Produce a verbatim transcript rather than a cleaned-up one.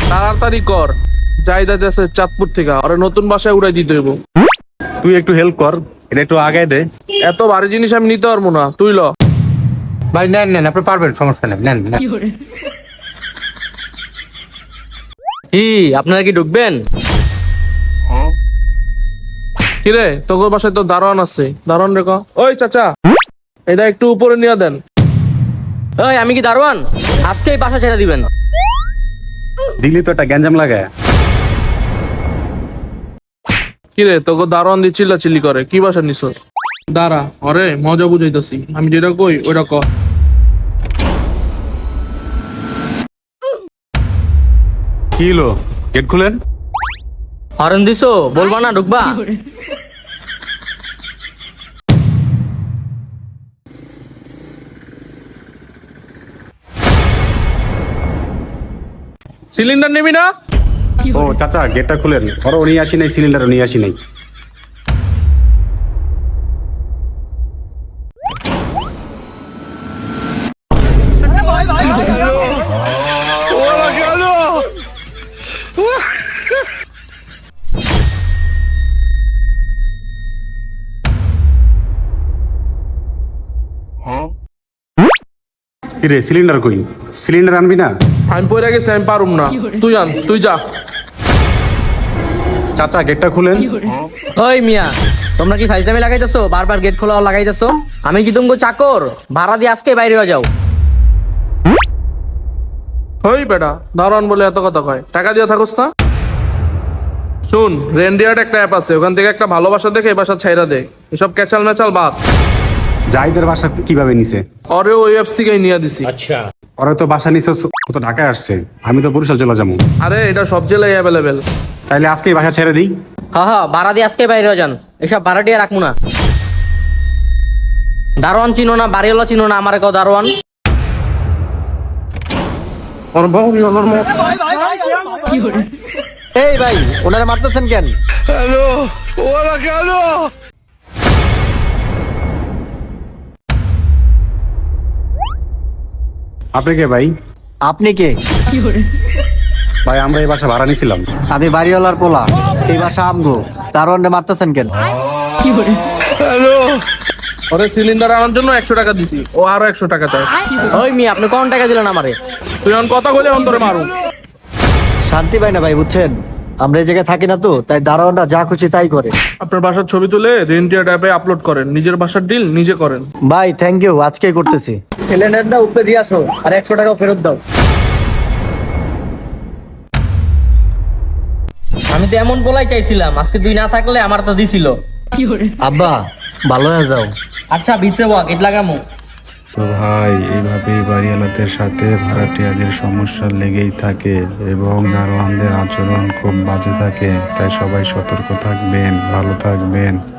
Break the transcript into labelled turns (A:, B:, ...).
A: তাড়াতাড়ি কর, জাহিদ আছে চাঁদপুর থেকে, আরে নতুন বাসায় উড়াই দিতে হইব।
B: তুই একটু হেল্প কর, এটা একটু আগায় দে।
A: এত ভারী জিনিস আমি নিতে পারবো না, তুই ল।
C: ভাই নেন নেন, আপনি পারবেন, সমস্যা নেই, নেন নেন।
D: কি আপনারা কি ঢুকবেন?
A: কিরে তোর বাসায় তো দারোয়ান আছে, দারোয়ান রে ক। ওই চাচা, এটা একটু উপরে নিয়ে দেন।
D: ওই আমি কি দারোয়ান? আজকেই বাসা ছেড়ে দিবেন।
B: দিলি তো একটা গ্যাঞ্জাম লাগায়।
A: কিরে তোকে দারোয়ান দিয়ে চিল্লা চিল্লি করে, কি বাসা নিছস? দাঁড়া, অরে মজা বুঝাইতেছি, আমি যেটা কই ওইটা ক।
B: কি হলো, গেট খুলেন।
D: হরেন দিছো, বলবা না ঢুকবা?
A: সিলিন্ডার নিবি না?
B: ও চাচা, গেটটা খুলেন। ওরা নিয়ে আসি নাই, সিলিন্ডারও নিয়ে আসি নাই। কিরে সিলিন্ডার কই? সিলিন্ডার আনবি না?
A: আমি পড়ে গেছি, আমি পারুম না, তুই আন, তুই যা।
B: চাচা গেটটা খুলেন।
D: ওই মিয়া, তোমরা কি ফাইজলামি লাগাইতেছো? বারবার গেট খোলা লাগাইতেছো। আমি কি তুমি চাকর? ভাড়া দিয়ে আজকে বাইরে হয়ে যাও।
A: ওই বেটা, দারোয়ান বলে এত কথা কয়, টাকা দিয়ে থাকোস না? শুন, রেন্ডিয়ার্ড একটা অ্যাপ আছে, ওখান থেকে একটা ভালোবাসা দেখে এই বাসা ছাইরা দে, এসব ক্যাচাল ম্যাচাল বাদ।
B: জাহিদের বাসা কিভাবে নিছে?
A: অরে ওই অ্যাপস থেকেই নিয়ে দিছি।
B: ওরা তো বাসা নিছে, ও তো ঢাকায় আসছে, আমি তো বরিশাল চলে যাবো।
A: আরে এটা সব জেলায় অ্যাভেলেবেল।
B: তাইলে আজকেই বাসা ছেড়ে দিই।
D: হ্যাঁ হ্যাঁ, ভাড়া দিয়ে আজকে বাইরে হয়ে যান। এসব ভাড়া দিয়ে রাখবো না। দারোয়ান চিনো না, বাড়িওয়ালা চিনো না, আমার কেউ দারোয়ান।
C: এই ভাই, ওনারা মারতেছেন কেন?
B: আপনি কে ভাই?
C: আপনি কে?
B: ভাই আমরা এই বাসা ভাড়া নিছিলাম।
C: আমি বাড়িওয়ালার পোলা, এই বাসা আমগো। দারোয়ানরে মারতেছেন কেন?
A: ওরে সিলিন্ডার আনার জন্য একশো টাকা দিছি, ও আরো একশো টাকা চায়।
D: ওই মিয়া, আপনি কোন টাকা দিলেন আমারে?
A: তুই এখন কথা বলে অন্তরে মারু।
C: শান্তি পাই না ভাই, বুঝছেন? আমরা এই জায়গায় থাকি না তো, তাই দারোয়ানরা যা খুশি তাই করে।
A: আপনার বাসার ছবি তুলে রেন্টিয়ার অ্যাপে আপলোড করেন, নিজের বাসার ডিল নিজে করেন।
C: ভাই থ্যাংক ইউ, আজকেই করতেছি। সিলিন্ডারটা উপরে দিয়ে আসো, আর একশো টাকা ফেরত দাও।
D: আমি তো এমন বলাই চাইছিলাম, আজকে তুই না থাকলে আমার তো দিছিল।
C: আব্বা ভালো হয়ে যাও।
D: আচ্ছা ভিতরে বল, গেট লাগামু।
E: তো ভাই, এইভাবেই বাড়িওয়ালাদের সাথে ভাড়াটিয়াদের সমস্যা লেগেই থাকে এবং দারোয়ানদের আচরণ খুব বাজে থাকে। তাই সবাই সতর্ক থাকবেন, ভালো থাকবেন।